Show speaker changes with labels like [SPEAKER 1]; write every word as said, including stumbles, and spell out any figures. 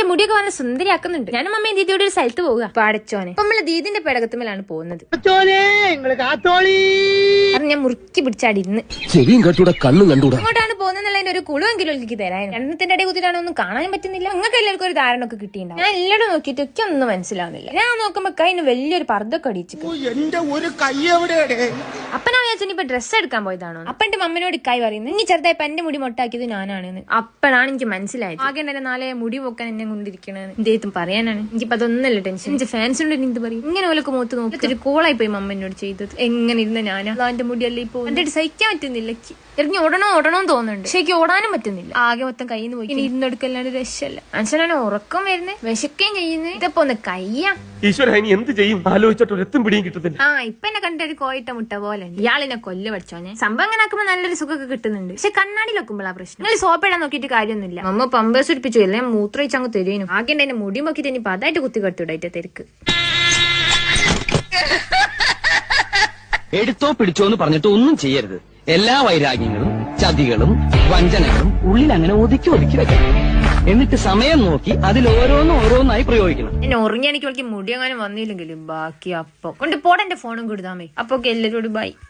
[SPEAKER 1] മുടിയൊക്കെ വന്ന് സുന്ദരിയാക്കുന്നുണ്ട്. ഞാനും അമ്മയും ദീദിയോട് ഒരു സ്ഥലത്ത് പോവുക. പാടച്ചോനെ അപ്പൊ നമ്മള് ദീദിന്റെ പേടകത്തുമ്മലാണ് പോകുന്നത്. ഞാൻ മുറുക്കി പിടിച്ചാടി ഇന്ന്
[SPEAKER 2] ചെവിയും കണ്ടൂടാ കണ്ണും കണ്ടൂടാ.
[SPEAKER 1] അങ്ങോട്ടാണ് പോകുന്നതിന്റെ ഒരു കുളുവെങ്കിലും എനിക്ക് തരാൻ. എണ്ണത്തിന്റെ അടി കുത്തിയിട്ടാണ് ഒന്നും കാണാനും പറ്റുന്നില്ല. നിങ്ങൾക്ക് എല്ലാവർക്കും ഒരു ധാരണ ഒക്കെ കിട്ടിയിട്ടുണ്ടാവും. ഞാൻ എല്ലാവരും നോക്കിയിട്ട് ഒക്കെ ഒന്നും മനസ്സിലാവുന്നില്ല. ഞാൻ നോക്കുമ്പോ കൈന് വലിയൊരു പർദ്ദൊക്കെ അടിച്ചു. അപ്പനാ വിചാരിച്ചു ഇപ്പൊ ഡ്രസ്സ് എടുക്കാൻ പോയതാണോ? അപ്പന്റെ മമ്മനോട് ഇക്കായി പറയുന്നത് ഇനി ചെറുതായപ്പോ എന്റെ മുടി മൊട്ടാക്കിയത് ഞാനാണെന്ന്. അപ്പഴാണ് എനിക്ക് മനസ്സിലായത്. ആകെ എന്നെ നാളെ മുടി പോക്കാൻ എന്നെ കൊണ്ടിരിക്കണെന്ന് എന്തെയ്ത്തും പറയാനാണ്. എനിക്കിപ്പോ അതൊന്നല്ല ടെൻഷൻ. എന്റെ ഫാൻസിനോട് എന്ത് പറയും? ഇങ്ങനെ ഓലൊക്കെ മുഖത്ത് നോക്കി ഒരു കോളായി പോയി മമ്മനോട് ചെയ്തത്. എങ്ങനെ ഇരുന്ന ഞാനാ എന്റെ മുടിയല്ലേ ഇപ്പൊ എന്റെ സഹിക്കാൻ പറ്റുന്നില്ല. ഇറങ്ങി ഓടണോ ഓടണോ തോന്നുന്നുണ്ട്. പക്ഷെ എനിക്ക് ഓടാനും പറ്റുന്നില്ല. ആകെ മൊത്തം കയ്യിൽ നിന്ന് പോയി. ഇനി ഇരുന്നെടുക്കല്ലാണ്ട് രക്ഷല്ല. മനുഷ്യനാണ് ഉറക്കം വരുന്നത്, വിശക്കുകയും ചെയ്യുന്നത്. ഇതപ്പോ ഒന്ന് കയ്യാ
[SPEAKER 2] ഈശ്വര ഇനി എന്ത് ചെയ്യും ആലോചിച്ചിട്ട് എത്തും പിടിയും കിട്ടുന്നില്ല.
[SPEAKER 1] ആ ഇപ്പൊ എന്നെ കണ്ടൊരു കോയിട്ട മുട്ട പോലെ ഇയാളിനെ കൊല്ലു പഠിച്ചോനെ. സംഭവം അങ്ങനെ ആക്കുമ്പോ നല്ലൊരു സുഖമൊക്കെ കിട്ടുന്നുണ്ട്. പക്ഷെ കണ്ണാടി വെക്കുമ്പോഴാ പ്രശ്നം. നിങ്ങൾ സോപ്പ് ഇടാൻ നോക്കിയിട്ട് കാര്യമൊന്നുമില്ല. അമ്മ പമ്പേഴ്സ് ഉടിപ്പിച്ചു എല്ലാം മൂത്രയിച്ച് അങ്ങ് തരുന്നു. ആകെ എന്റെ മുടി നോക്കിട്ട് ഇനി അതായിട്ട് കുത്തി കെട്ടിവിടായിട്ട് തിരക്ക്.
[SPEAKER 3] എടുത്തോ പിടിച്ചോ എന്ന് പറഞ്ഞിട്ട് ഒന്നും ചെയ്യരുത്. എല്ലാ വൈരാഗ്യങ്ങളും ചതികളും വഞ്ചനകളും ഉള്ളിൽ അങ്ങനെ ഒതുക്കി ഒതുക്കി വെക്കണം. എന്നിട്ട് സമയം നോക്കി അതിൽ ഓരോന്നും ഓരോന്നായി പ്രയോഗിക്കണം.
[SPEAKER 1] എന്നെ ഉറങ്ങി എനിക്ക് മുടി അങ്ങനെ വന്നില്ലെങ്കിലും ബാക്കി അപ്പൊ കൊണ്ട് പോടെ എന്റെ ഫോണും കൊടുത്താമേ. അപ്പൊ എല്ലാരോടും ബൈ.